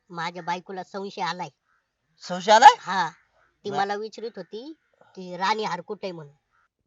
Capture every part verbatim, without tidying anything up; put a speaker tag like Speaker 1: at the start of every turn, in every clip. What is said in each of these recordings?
Speaker 1: माझ्या बायकोला संशय आलाय.
Speaker 2: संशय आलाय?
Speaker 1: हा, ती
Speaker 2: बर.
Speaker 1: मला विचारत होती की राणी हार कुठे आहे म्हणून.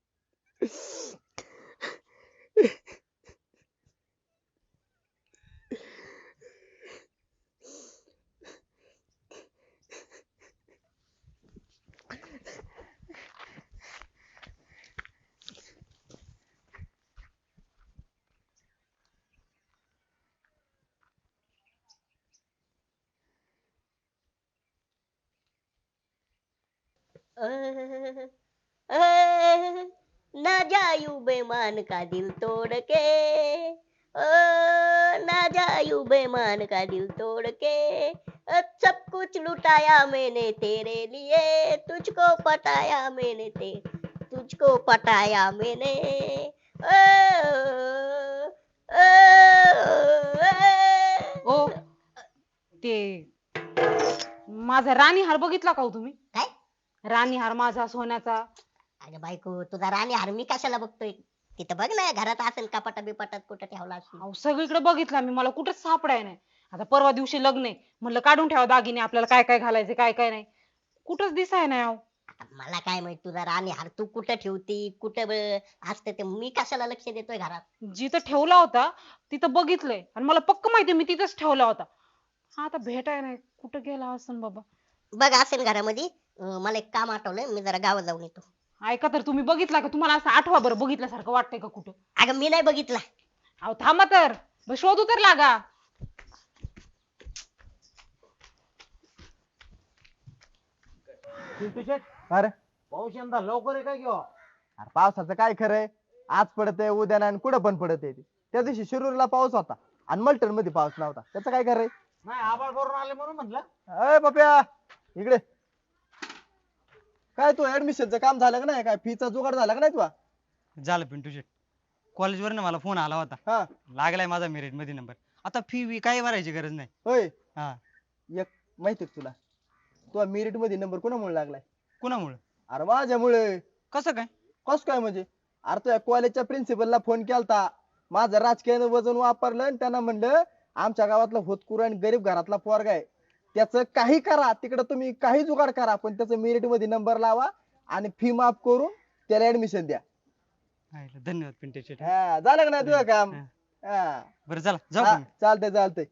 Speaker 1: अ, अ, ना जायू बेमान का दिल तोड़ के, ओ ना जायू बेमान का दिल तोड़ के, अ, सब कुछ लुटाया मैंने तेरे लिए, तुझको पटाया मैंने ते तुझको पटाया मैंने. ओ, ओ,
Speaker 3: ओ
Speaker 1: ओ.
Speaker 3: ते माझा राणी हार बघितला का हो तुम्ही?
Speaker 1: काय?
Speaker 3: राणी हार माझा सोन्याचा.
Speaker 1: अगं बायको, तुझा राणी हार मी कशाला बघतोय? तिथं बघ ना, घरात असेल कपाटा बिपाटात कुठं ठेवला असेल.
Speaker 3: अहो सगळीकडे बघितला मी, मला कुठेच सापडाय नाही. आता परवा दिवशी लग्न आहे, म्हणलं काढून ठेवा दागिने, आपल्याला काय काय घालायचे काय काय नाही. कुठंच दिसाय नाही अहो.
Speaker 1: आता मला काय माहित तुझा राणी हार तू कुठं ठेवती, कुठं ब- असतं ते मी कशाला लक्ष देतोय घरात?
Speaker 3: जिथं ठेवला होता तिथं बघितलंय आणि मला पक्क माहिती मी तिथंच ठेवला होता. हा आता भेटाय नाही, कुठं गेला असन बाबा.
Speaker 1: बघ असेल घरामध्ये. अं, मला एक काम आठवलंय, मी जरा गावात जाऊन येतो.
Speaker 3: ऐका तर, तुम्ही बघितला का? तुम्हाला असं आठवा बरं, बघितल्यासारखं वाटतंय का कुठं?
Speaker 1: अगं मी नाही बघितला.
Speaker 3: अहो थांबा तर, मग शोधू तर लागा.
Speaker 4: पिंटू शेट,
Speaker 5: अरे
Speaker 4: पाऊस यंदा लवकर आहे काय किंवा
Speaker 5: अरे पावसाचं काय खरंय, आज पडतंय उद्या नाही आणि कुठं पण पडत आहे. त्या दिवशी शिरूरला पाऊस होता आणि मलटण मध्ये पाऊस नव्हता, त्याचं काय खरंय?
Speaker 4: नाही आबाळ भरून आले म्हणून म्हटलं.
Speaker 5: अय पप्या, इकडे. काय तू ऍडमिशनचं काम झालं का नाही? काय फीचा जुगाड झाला का नाही तुला?
Speaker 6: झालं पिंटू शेट. कॉलेजवर मला फोन आला होता.
Speaker 5: हा
Speaker 6: लागलाय माझा मेरिट मध्ये नंबर. आता फी वी काही भरायची गरज नाही.
Speaker 5: होय.
Speaker 6: हा.
Speaker 5: एक माहिती का तुला, तुला मेरिट मध्ये नंबर कोणामुळे लागलाय?
Speaker 6: कुणामुळे?
Speaker 5: अरे माझ्यामुळे.
Speaker 6: कसं काय?
Speaker 5: कस काय म्हणजे? अरे तुझ्या कॉलेजच्या प्रिन्सिपलला फोन केलता, माझं राजकीय वजन वापरलं आणि त्यांना म्हणलं आमच्या गावातला होतकुर आणि गरीब घरातला पोरगा आहे, त्याचं काही करा तिकडे, तुम्ही काही जुगाड करा, पण त्याचं मेरिट मध्ये नंबर लावा आणि फी माफ करून त्याला ऍडमिशन द्या.
Speaker 6: हायला, धन्यवाद पिंटू शेट.
Speaker 5: हा, झालं का नाही तुझं काम?
Speaker 6: हा.
Speaker 5: हा.
Speaker 6: बरं चला जाऊ
Speaker 5: हा,
Speaker 6: का मी?
Speaker 5: चालतंय चालतंय.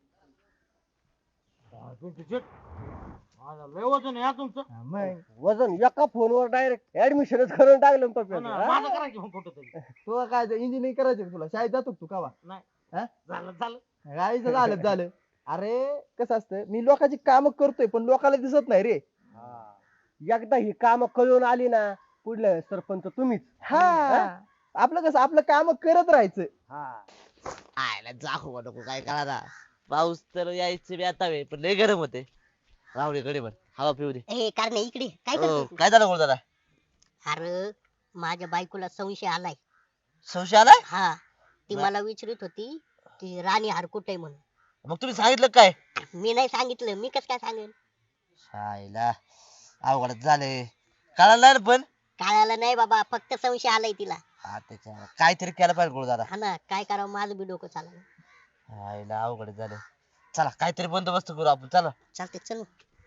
Speaker 4: पिंटू शेट, माझा लय वजन आहे हा तुमचं.
Speaker 5: मग वजन एका फोनवर डायरेक्ट ऍडमिशनच करून टाकलं
Speaker 4: हो
Speaker 5: पप्या.
Speaker 4: ना, माझं करा की मग कुठं तरी.
Speaker 5: तुला काय इंजिनिअरिंग करायचं का तुला? शाळेत जातो का तू कावा?
Speaker 4: नाही
Speaker 5: हा?
Speaker 4: झालं झालं.
Speaker 5: गाईचं झालं झालं. अरे कसं असतं, मी लोकांची काम करतोय पण लोकांना दिसत नाही रे.
Speaker 7: एकदा ही काम कळून आली ना, पुढलं सरपंच तुम्हीच.
Speaker 5: हा, आपलं कसं आपलं काम करत राहायचं.
Speaker 2: आयला जाऊ नको काय कळा. पाऊस तर यायचे बी आता वेळ, पण लय गरम होते. राहू दे कडे, हवा पिऊ दे.
Speaker 1: ए कारणे इकडे काय
Speaker 2: ओ,
Speaker 1: करतोय तू?
Speaker 2: काय झालं दादा?
Speaker 1: अरे माझ्या बायकोला संशय आलाय.
Speaker 2: संशय आलाय?
Speaker 1: हा, ती
Speaker 2: बर.
Speaker 1: मला विचारत होती की राणी हार कुठे आहे म्हणून.
Speaker 2: मग तुम्ही सांगितलं काय?
Speaker 1: मी नाही सांगितलं, मी कसं काय सांगेन?
Speaker 2: शायला अवघडच झाले. कळालं नाही ना पण.
Speaker 1: कळालं नाही बाबा, फक्त संशय आलाय तिला.
Speaker 2: हा, त्याच्या काहीतरी केलं पाहिजे गुरु दादा.
Speaker 1: हा ना, काय करावं माझं बी डोकं चाललं.
Speaker 2: शायला अवघड झालं. चला काहीतरी बंदोबस्त करू आपण, चला.
Speaker 1: चालते चल.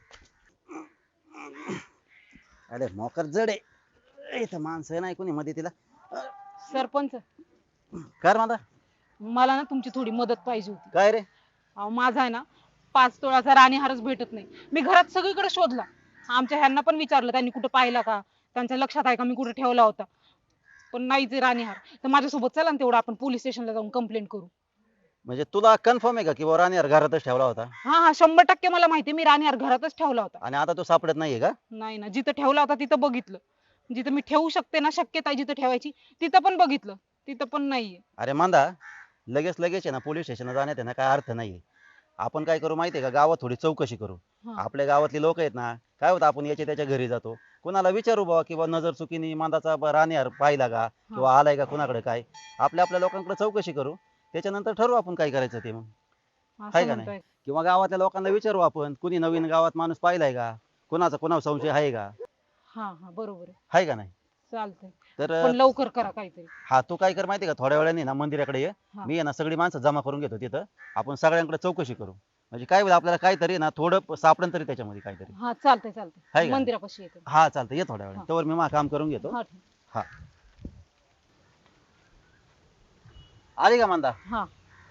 Speaker 7: अरे मोकर जड आहे इथं, माणसं नाही कोणी मध्ये तिला.
Speaker 3: सरपंच,
Speaker 7: कर माझा.
Speaker 3: मला ना तुमची थोडी मदत पाहिजे होती.
Speaker 7: काय रे?
Speaker 3: अहो माझा आहे ना पाच तोळाचा राणी हारच भेटत नाही. मी घरात सगळीकडे शोधला, आमच्या ह्यांना पण विचारलं, त्यांनी कुठं पाहिला का, त्यांच्या लक्षात आहे का मी कुठे ठेवला होता, पण नाहीच राणी हार. तर माझ्यासोबत चला ना, तेवढं आपण पोलीस स्टेशनला जाऊन कंप्लेंट करू.
Speaker 7: म्हणजे तुला कन्फर्म आहे का की राणी यार घरातच ठेवला होता?
Speaker 3: हा हा, शंभर टक्के मला माहिती, मी राणी हार घरातच ठेवला होता.
Speaker 7: आणि आता तो सापडत नाहीये का?
Speaker 3: नाही ना, जिथं ठेवला होता तिथं बघितलं, जिथं मी ठेवू शकते ना, शक्यता आहे जिथं ठेवायची तिथं पण बघितलं, तिथं पण नाहीये.
Speaker 7: अरे मांदा, लगेच लगेच आहे ना पोलीस स्टेशनला जाण्यात आहे ना काय अर्थ नाहीये. आपण काय करू माहितीये का, गावात थोडी चौकशी करू.
Speaker 3: हा.
Speaker 7: आपल्या गावातली लोक आहेत ना, काय होतं आपण याच्या त्याच्या घरी जातो, कुणाला विचारू बाबा किंवा नजर चुकीने मांदाचा ब- राणीहार पाहिला का किंवा आलाय का कुणाकडे, काय आपल्या आपल्या लोकांकडे चौकशी करू, त्याच्यानंतर ठरवू आपण काय करायचं ते. मग
Speaker 3: असं
Speaker 7: आहे का
Speaker 3: म्हणताय?
Speaker 7: नाही? किंवा गावातल्या लोकांना विचारू आपण, कुणी नवीन गावात माणूस पाहिलाय का, कुणाचा कुणावर संशय आहे का,
Speaker 3: हा हा, बरोबर आहे,
Speaker 7: आहे का नाही?
Speaker 3: चालतंय,
Speaker 7: तर
Speaker 3: पण लवकर करा काहीतरी.
Speaker 7: हा, तू काय कर माहितीये का, थोड्या वेळाने ना मंदिराकडे ये,
Speaker 3: हा.
Speaker 7: मी आहे ना सगळी माणसं जमा करून घेतो तिथं, आपण सगळ्यांकडे चौकशी करू. म्हणजे काय होईल आपल्याला काहीतरी ना थोडं सापडन तरी त्याच्यामध्ये काहीतरी.
Speaker 3: हा चालतंय
Speaker 7: हाय
Speaker 3: चालतंय
Speaker 7: का?
Speaker 3: मंदिरापाशी येते.
Speaker 7: हा चालतं ये थोड्या वेळ
Speaker 3: हा.
Speaker 7: तोवर मी मा काम करून घेतो.
Speaker 3: हा ठीक.
Speaker 7: हा आली का मांदा?
Speaker 3: हा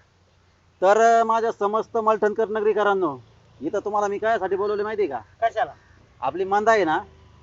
Speaker 7: तर अं, माझ्या समस्त मलठणकर नगरीकरांनो, इथं तुम्हाला मी कायसाठी बोलवले माहिती का?
Speaker 4: कशाला?
Speaker 7: आपली मांदा आहे ना,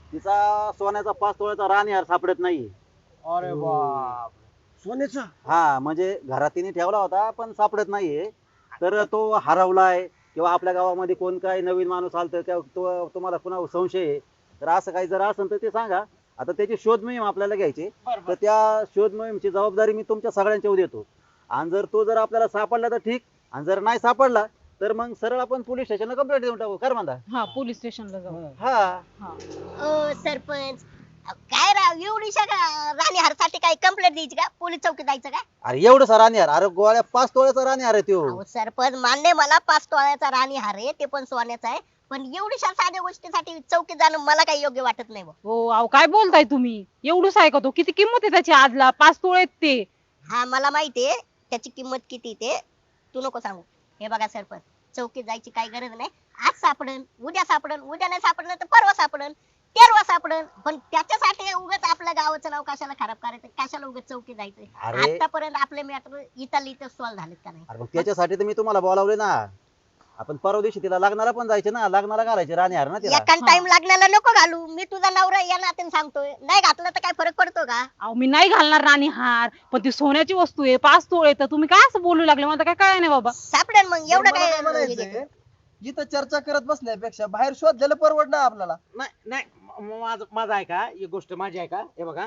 Speaker 7: तिचा सोन्याचा पाच तोळ्याचा राणीहार सापडत नाहीये.
Speaker 4: अरे बाप सोन्याचं.
Speaker 7: हा म्हणजे घरात तिने ठेवला होता पण सापडत नाहीये. तर तो हरवलाय किंवा आपल्या गावामध्ये कोण काय नवीन माणूस आलतं किंवा तो तुम्हाला पुन्हा संशय आहे, तर असं काही जर असेल तर ते सांगा. आता त्याची शोध मोहीम आपल्याला घ्यायची.
Speaker 4: बरं,
Speaker 7: तर
Speaker 4: बरं.
Speaker 7: त्या शोध मोहीमची जबाबदारी मी तुमच्या सगळ्यांच्यावर देतो. आणि जर तो जर आपल्याला सापडला तर ठीक, आणि जर नाही सापडला तर मग सरळ आपण पोलीस स्टेशनला कंप्लेंट देऊन टाकू. कर म्हणता?
Speaker 3: हा पोलीस स्टेशनला जाऊ.
Speaker 7: हा
Speaker 3: हा
Speaker 1: ओ सरपंच अहो, काय राव एवढीशा का राणीहारसाठी काय कंप्लेंट द्यायची का पोलीस चौकीत जायचं का?
Speaker 7: अरे एवढं सा राणीहार, अरे गोळ्या पाच तोळ्याचा राणीहार आहे त्यो.
Speaker 1: अहो सरपंच मान्य मला पाच तोळ्याचा राणीहार आहे ते पण सोन्याचा आहे, पण एवढीशा साध्या गोष्टीसाठी चौकीत जाणं मला काही योग्य वाटत नाही बुवा.
Speaker 3: हो अहो काय बोलताय तुम्ही? एवढंच आहे का तो? किती किंमत आहे त्याची आजला? पाच तोळे आहेत ते.
Speaker 1: हा मला माहितीये त्याची किंमत किती ते तू नको सांगू. हे बघा सरपंच चौकीत जायची काही गरज नाही. आज सापडन उद्या सापडन उद्या नाही सापडलं तर परवा सापडन तेरवा सापडन, पण त्याच्यासाठी उगाच आपल्या गावाचं नाव कशाला खराब करायचं? कशाला उगाच चौकीत जायचं?
Speaker 7: अरे.
Speaker 1: आतापर्यंत आपले मॅटर इथं इथं सॉल्व्ह झालेत का नाही?
Speaker 7: अरे मग त्याच्यासाठी तर मी तुम्हाला बोलावले ना. आपण परवा दिवशी तिला लग्नाला पण जायचे ना, लग्नाला घालायचे राणीहार ना तिला.
Speaker 1: एखाद टाइम लागण्याला नको घालू. मी तुझा नवरा या नात्याने सांगतोय, नाही घातलं तर काय फरक पडतो का?
Speaker 3: अहो मी नाही घालणार राणी हार, पण ती सोन्याची वस्तू आहे, पाच तोळे. तर तुम्ही काय असं बोलू लागले? मला काय कळलं नाही बाबा.
Speaker 1: सापडेल मग एवढं
Speaker 5: मला काय
Speaker 1: काय
Speaker 5: म्हणायचंय, इथं चर्चा करत बसण्यापेक्षा बाहेर शोधलेलं परवडणार आपल्याला.
Speaker 4: नाही नाही म- माझं माझं आहे का एक गोष्ट माझी आहे का? हे बघा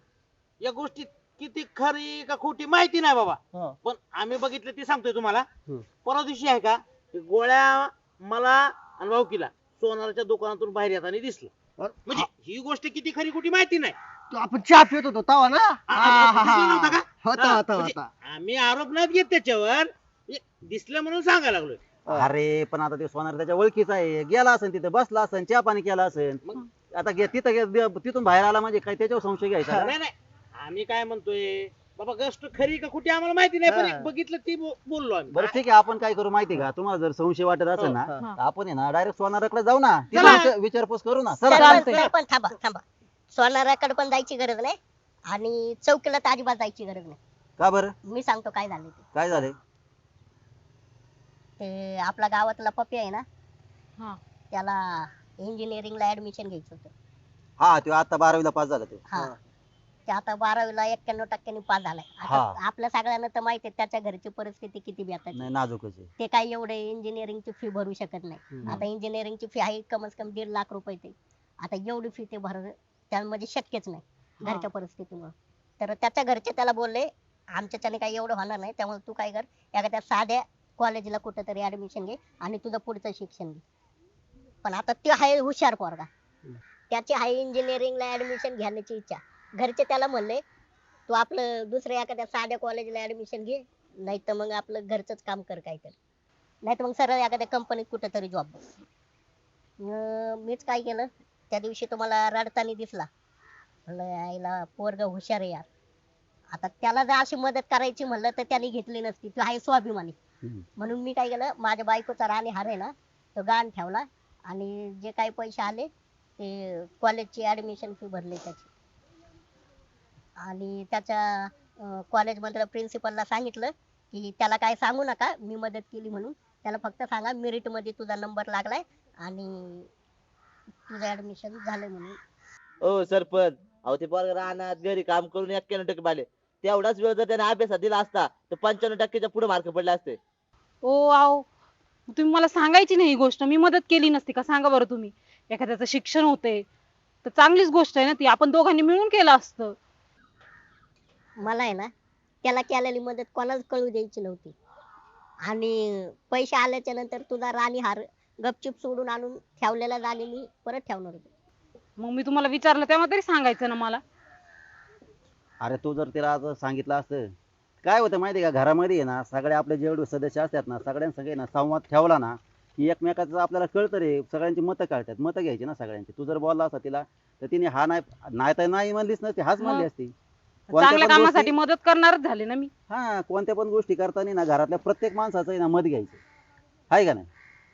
Speaker 4: या गोष्टी किती खरी का खोटी माहिती नाही बाबा,
Speaker 5: हा.
Speaker 4: पण आम्ही बघितलं ते सांगतोय तुम्हाला.
Speaker 7: हम्म.
Speaker 4: परवा दिवशी आहे का ते गोळ्या मला आणि भाऊकीला सोनाराच्या दुकानातून बाहेर येताना दिसलं. म्हणजे ही गोष्ट किती खरी खोटी माहिती नाही.
Speaker 5: तो आपण चहा पित होतो तवा ना.
Speaker 4: आ- आ- आ- दिसलं नव्हतं का?
Speaker 5: होता
Speaker 4: हा,
Speaker 5: होता
Speaker 4: म्हणजे
Speaker 5: होता.
Speaker 4: आम्ही आरोप नाही घेत त्याच्यावर, म्हणजे दिसलं म्हणून सांगायला लागलोय.
Speaker 7: अरे पण आता ते सोनार त्याच्या ओळखीचा आहे, गेला असेल तिथं बसला असेल, चहा पाणी केला असेल.
Speaker 4: मग
Speaker 7: आता गे- तिथं गे- तिथून बाहेर आला म्हणजे काय त्याच्यावर संशय घ्यायचा का?
Speaker 4: नाही नाही आम्ही काय म्हणतोय बाबा गोष्ट खरी का खोटी आम्हाला माहिती नाही, पण
Speaker 5: हा.
Speaker 4: एक बघितलं ती बो- बोललो आम्ही.
Speaker 7: बरं ठीक आहे, आपण काय करू माहिती का? तुम्हाला जर संशय वाटत असेल ना,
Speaker 5: हा.
Speaker 7: तर आपण आहे ना डायरेक्ट सोनाराकडे जाऊ ना, तिला
Speaker 3: चला.
Speaker 7: विचार- विचारपूस करू ना. चला.
Speaker 1: सरपंच
Speaker 3: चालतंय.
Speaker 1: सरपंच थांबा थांबा. सोनाराकडे पण जायची गरज नाही आणि चौकीला तर अजिबात जायची गरज नाही.
Speaker 7: का बरं?
Speaker 1: मी सांगतो काय झालं ते.
Speaker 7: काय झालंय?
Speaker 1: ते आपला गावातला पप्पी आहे ना,
Speaker 3: हा
Speaker 1: त्याला इंजिनिअरिंगला ऍडमिशन घ्यायचं होतं.
Speaker 7: हा तो आता बारावीला पास झाला तो.
Speaker 1: हा ते आता बारावीला एक्क्याण्णव टक्क्यांनी पास झालाय. आता
Speaker 7: हा.
Speaker 1: आपल्या सगळ्यांना तर माहिती आहे त्याच्या घरची परिस्थिती किती बेताची.
Speaker 7: नाही नाजूकच आहे.
Speaker 1: ते काही एवढे इंजिनिअरिंगची फी भरू शकत नाही.
Speaker 7: हम्म.
Speaker 1: आता इंजिनिअरिंगची फी आहे कमीत कमी दीड लाख रुपये ते. आता एवढी फी ते भर त्यामध्ये शक्यच नाही घरच्या परिस्थितीमुळे. तर त्याच्या घरचे त्याला बोलले आमच्याच्याने काही एवढं होणार नाही, त्यामुळे तू काय कर एखाद्या साध्या कॉलेजला कुठेतरी ऍडमिशन घे आणि तुझं पुढचं शिक्षण घे. पण आता ते आहे हुशार पोरगा, त्याची आहे इंजिनिअरिंगला ऍडमिशन घेण्याची इच्छा. घरचे त्याला म्हणले तू आपलं दुसऱ्या एखाद्या साध्या कॉलेजला ऍडमिशन घे, नाही तर मग आपलं घरचंच काम कर काहीतरी, नाही तर मग सरळ एखाद्या कंपनीत कुठेतरी जॉब बस. अं, मीच काय केलं त्या दिवशी तुम्हाला रडताना दिसला, म्हणलं आईला पोरग हुशार आहे यार. आता त्याला जर अशी मदत करायची म्हणलं तर त्याने घेतली नसती, तो आहे स्वाभिमानी.
Speaker 7: हम्म.
Speaker 1: म्हणून मी काय केलं माझ्या बायकोचा राणीहार आहे ना तो गहाण ठेवला आणि जे काही पैसे आले ते कॉलेजची ऍडमिशन फी भरली त्याची. आणि त्याच्या कॉलेजमधल्या प्रिन्सिपलला सांगितलं की त्याला काय सांगू नका मी मदत केली म्हणून, त्याला फक्त सांगा मेरिट मध्ये तुझा नंबर लागलाय आणि तुझं ऍडमिशन झालंय म्हणून.
Speaker 2: ओ सरपंच, अहो ते पोरगं रानात घरी काम करून एक्क्याण्णव टक्के पाहिले. तेवढाच वेळ जर त्याने अभ्यासात दिला असता तर पंच्याण्णव टक्क्याच्या पुढे मार्क पडले असते.
Speaker 3: ओ आओ तुम्ही मला सांगायची नाही ही गोष्ट, मी मदत केली नसती का? सांगा बरं तुम्ही. एखाद्याचं शिक्षण होते तर चांगलीच गोष्ट आहे ना ती, आपण दोघांनी मिळून केलं असतं.
Speaker 1: मला आहे ना त्याला केलेली मदत कोणाच कळू द्यायची नव्हती. आणि पैसे आल्याच्या नंतर तुझा राणीहार गपचूप सोडून आणून ठेवलेला राणी मी परत ठेवणार होते.
Speaker 3: मग मी तुम्हाला विचारलं तेव्हा तरी सांगायचं ना मला.
Speaker 7: अरे तू जर तिला आज सांगितलं असतं, काय होतं माहिती आहे का? घरामध्ये आहे ना सगळे आपले जेवढे सदस्य असतात ना सगळ्यांसंगे ना संवाद ठेवला ना की एकमेकाचं आपल्याला कळतं रे, सगळ्यांची मतं कळतात, मतं घ्यायची ना सगळ्यांची. तू जर बोलला असता तिला तर तिने हा नाही नाही तर नाही म्हणलीच नसती, हाच म्हणली
Speaker 3: मग?
Speaker 7: असती. कोणत्या
Speaker 3: चांगल्या
Speaker 7: पण
Speaker 3: कामासाठी
Speaker 7: गोष्टी-
Speaker 3: मदत करणारच झाले ना मी.
Speaker 7: हा कोणत्या पण गोष्टी करताना ना घरातल्या प्रत्येक माणसाचं आहे ना मत घ्यायचं, आहे का नाही?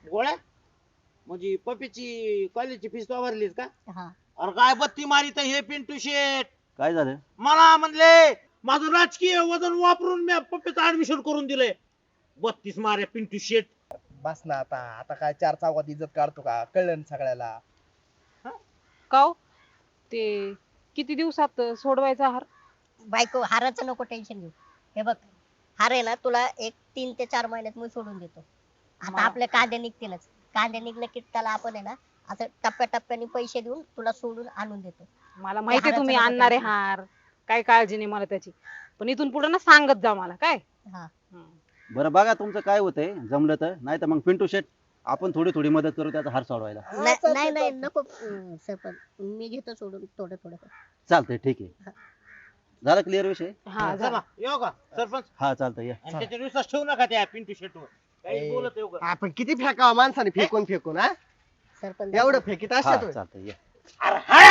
Speaker 4: गोळ्या म्हणजे पप्पीची कॉलेजची फीस तो भरलीस का?
Speaker 1: हा
Speaker 4: अरे काय बत्ती मारित हे पिंटू शेट.
Speaker 7: काय झालं
Speaker 4: मला म्हणले माझं राजकीय वजन वापरून मी पप्पीचं ऍडमिशन करून दिलंय. बत्तीस मारे पिंटू शेट.
Speaker 5: बस ना आता आता काय चार चौकात इज्जत काढतो का कळलं ना सगळ्याला.
Speaker 3: का हो? ते किती दिवसात सोडवायचा हार?
Speaker 1: बायको हाराचं नको टेन्शन घेऊ. हे बघ हार आहे ना तुला एक तीन ते चार महिन्यात मी सोडून देतो. आता
Speaker 3: मला-
Speaker 1: आपले कांदे निघतीलच. कांदे निघले की त्याला आपण आहे ना असं टप्प्याटप्प्याने पैसे देऊन तुला सोडून आणून देतो.
Speaker 3: मला माहितीये
Speaker 1: हाराचं
Speaker 3: तुम्ही
Speaker 1: नको
Speaker 3: आणणारे
Speaker 1: tension.
Speaker 3: हार, काय काळजी नाही मला त्याची. पण इथून पुढे ना सांगत जा मला काय.
Speaker 1: हा
Speaker 3: हं.
Speaker 7: बरं बघा तुमचं काय होतंय जमलं तर, नाही तर मग पिंटू शेट आपण थोडी थोडी मदत करू त्याचा हार सोडवायला.
Speaker 1: नाही
Speaker 5: चालतंय,
Speaker 1: नाही नाही,
Speaker 5: चालतंय.
Speaker 1: नको अं, सरपंच मी घेतो सोडून थोडं थोडं.
Speaker 7: चालतंय ठीक आहे. झाला क्लिअर विषय?
Speaker 3: हा
Speaker 4: चला
Speaker 3: झालं.
Speaker 4: येऊ का सरपंच?
Speaker 7: हा चालतंय या.
Speaker 4: आणि त्याच्यावर विश्वास ठेवू नका त्या पिंटू शेटवर. काही
Speaker 5: ए,
Speaker 4: बोलत येऊ का?
Speaker 5: आपण किती फेकावं माणसाने फेकून फेकून हा
Speaker 1: सरपंच
Speaker 5: एवढं फेकीत
Speaker 7: हा
Speaker 5: असतात होय.
Speaker 7: चालतंय या.
Speaker 4: अरे हा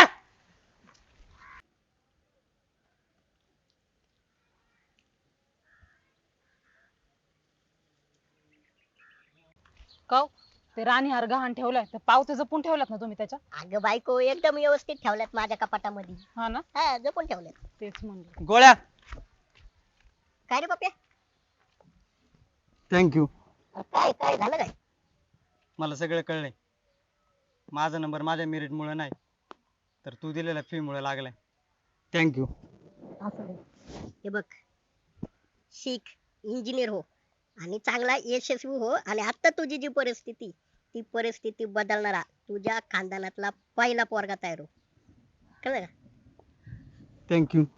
Speaker 3: का हो? ते राणी हार गहाण ठेवलाय तर पावते जपून ठेवलात ना तुम्ही त्याच्या?
Speaker 1: अगं बायको एकदम व्यवस्थित ठेवल्यात माझ्या कपाटामध्ये.
Speaker 3: हा ना,
Speaker 1: हा जपून ठेवल्यात.
Speaker 3: तेच म्हणलं.
Speaker 6: गोळ्या
Speaker 1: काय रे पप्या
Speaker 6: थँक्यू.
Speaker 1: काय काय झालं काय?
Speaker 6: मला सगळं कळलंय. माझा नंबर माझ्या मेरिट मुळे नाही तर तू दिलेल्या फी मुळे लागलाय. थँक्यू.
Speaker 1: असं नाही. हे बघ शिक इंजिनियर हो आणि चांगला यशस्वी हो आणि आता तुझी जी परिस्थिती ती परिस्थिती बदलणारा तुझ्या खानदानातला पहिला पोरगा तयार हो. कळलं का?
Speaker 6: थँक्यू.